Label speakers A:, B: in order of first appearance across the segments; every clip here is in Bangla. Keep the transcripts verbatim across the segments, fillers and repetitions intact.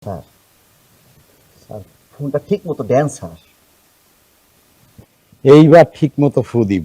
A: স্যার স্যার ফোনটা ঠিক মতো দেন স্যার।
B: এইবার ঠিক মতো ফু দিব।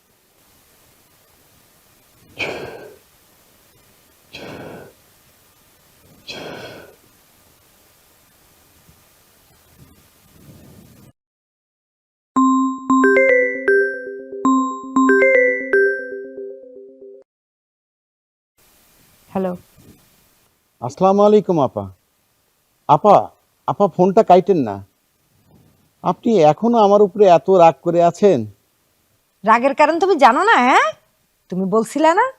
C: হ্যালো।
B: আসসালামু আলাইকুম আপা। আপা আপা ফোনটা কাইটেন না। আপনি এখনো আমার উপরে এত রাগ করে আছেন?
C: রাগের কারণ তুমি জানো না? হ্যাঁ, তুমি বলছিলে না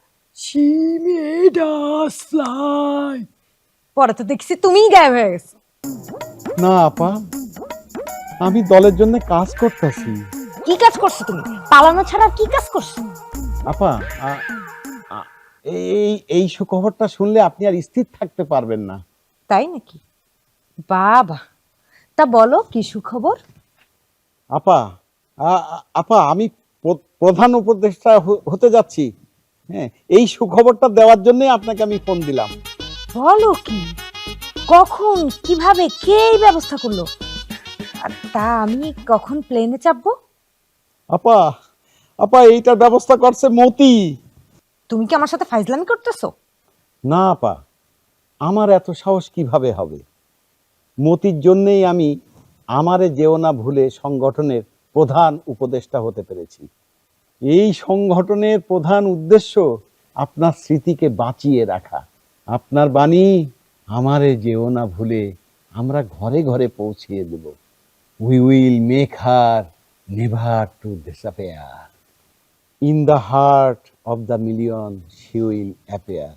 C: চিমেডাসলাই, পরে তো দেখছি তুমিই গায়েব হয়ে গেছো।
B: না আপা, আমি দলের জন্য কাজ করতেছি।
C: কি কাজ করছো তুমি? পালানো ছাড়া আর কি কাজ করছো?
B: আপা আ- আ- এই এই সুখবরটা শুনলে আপনি আর স্থির থাকতে পারবেন না।
C: তাই নাকি? বাবা, তা বলো কি সুখবর?
B: আপা আ- আ- আপা আমি প্র- প্রধান উপদেষ্টা হ- হতে যাচ্ছি। হ্যাঁ, এই সুখবরটা দেওয়ার জন্যই আপনাকে আমি ফোন দিলাম।
C: বলো কি? কখন, কিভাবে, কে এই ব্যবস্থা করলো? আর তা আমি কখন প্লেনে চাপবো?
B: আপা আপা এইটার ব্যবস্থা করছে মতি।
C: তুমি কি আমার সাথে ফাইজলামি করতেছো?
B: না আপা, আমার এত সাহস কিভাবে হবে? মতির জন্যেই আমি আমারে যেও না ভুলে সংগঠনের প্রধান উপদেষ্টা হতে পেরেছি। এই সংগঠনের প্রধান উদ্দেশ্য আপনার স্মৃতিকে বাঁচিয়ে রাখা। আপনার বাণী আমারে যেও না ভুলে আমরা ঘরে ঘরে পৌঁছিয়ে দেব। We will make her never to disappear. In the heart of the million she will appear.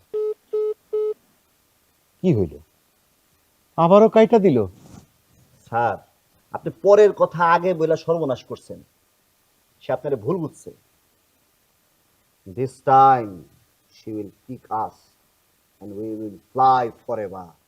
B: কি হইল? আবারও কাইটা দিল?
A: স্যার আপনি পরের কথা আগে বইলা সর্বনাশ করছেন। সে আপনারে ভুল বুঝছে। This time she will kick us and we will fly forever.